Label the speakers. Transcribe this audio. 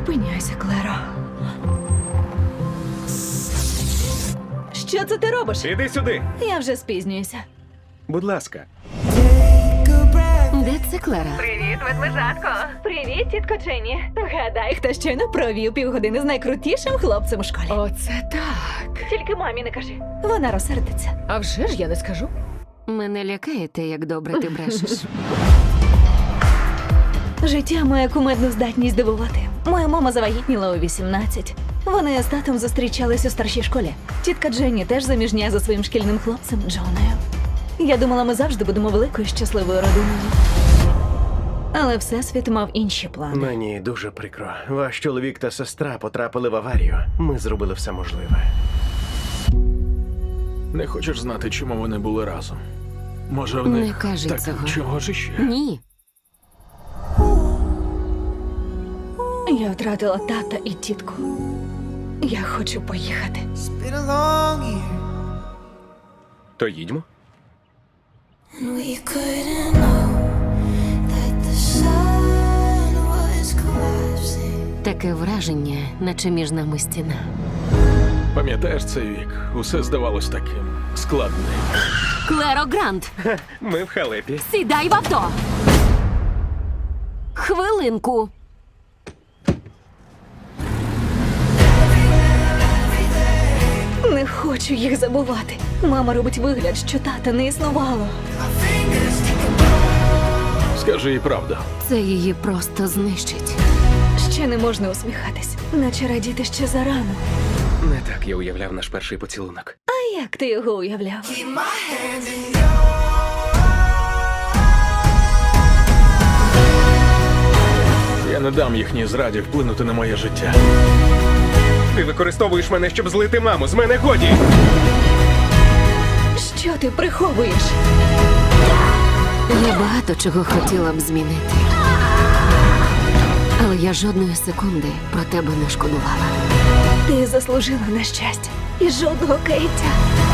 Speaker 1: зупиняйся, Клеро. Що це ти робиш?
Speaker 2: Іди сюди.
Speaker 1: Я вже спізнююся.
Speaker 2: Будь ласка.
Speaker 3: Де це Клера?
Speaker 1: Привіт, ведмежатко. Привіт, тітко Дженні. Гадай, хто щойно провів півгодини з найкрутішим хлопцем у школі.
Speaker 3: Оце так.
Speaker 1: Тільки мамі не кажи. Вона розсердиться.
Speaker 3: А вже ж я не скажу. Мене лякає те, як добре ти брешеш.
Speaker 1: Життя має кумедну здатність дивувати. Моя мама завагітніла у 18. Вони з татом зустрічались у старшій школі. Тітка Дженні теж заміжня за своїм шкільним хлопцем Джоною. Я думала, ми завжди будемо великою щасливою родиною. Але Всесвіт мав інші плани.
Speaker 2: Мені дуже прикро. Ваш чоловік та сестра потрапили в аварію. Ми зробили все можливе.
Speaker 4: Не хочеш знати, чому вони були разом? Може, в
Speaker 3: Не
Speaker 4: них
Speaker 3: кажи
Speaker 4: так
Speaker 3: цього.
Speaker 4: чого ж іще?
Speaker 3: Ні.
Speaker 1: Я втратила тата і тітку. Я хочу поїхати.
Speaker 5: Been a long year,
Speaker 2: То їдьмо.
Speaker 5: and we couldn't know that the sun was collapsing.
Speaker 3: Таке враження, наче між нами стіна.
Speaker 4: Пам'ятаєш цей вік? Усе здавалось таким складним.
Speaker 3: Клеро Грант,
Speaker 2: Ми в халепі.
Speaker 3: сідай в авто! Хвилинку.
Speaker 1: Не хочу їх забувати. Мама робить вигляд, що тата не існувало.
Speaker 4: Скажи їй правду.
Speaker 3: Це її просто знищить.
Speaker 1: Ще не можна усміхатись, наче радіти ще зарано.
Speaker 2: Не так я уявляв наш перший поцілунок.
Speaker 1: А як ти його уявляв?
Speaker 4: Я не дам їхній зраді вплинути на моє життя.
Speaker 2: Ти використовуєш мене, щоб злити маму. З мене годі!
Speaker 1: Що ти приховуєш?
Speaker 3: Я багато чого хотіла б змінити. Але я жодної секунди про тебе не шкодувала.
Speaker 1: Ти заслужила на щастя і жодного каяття.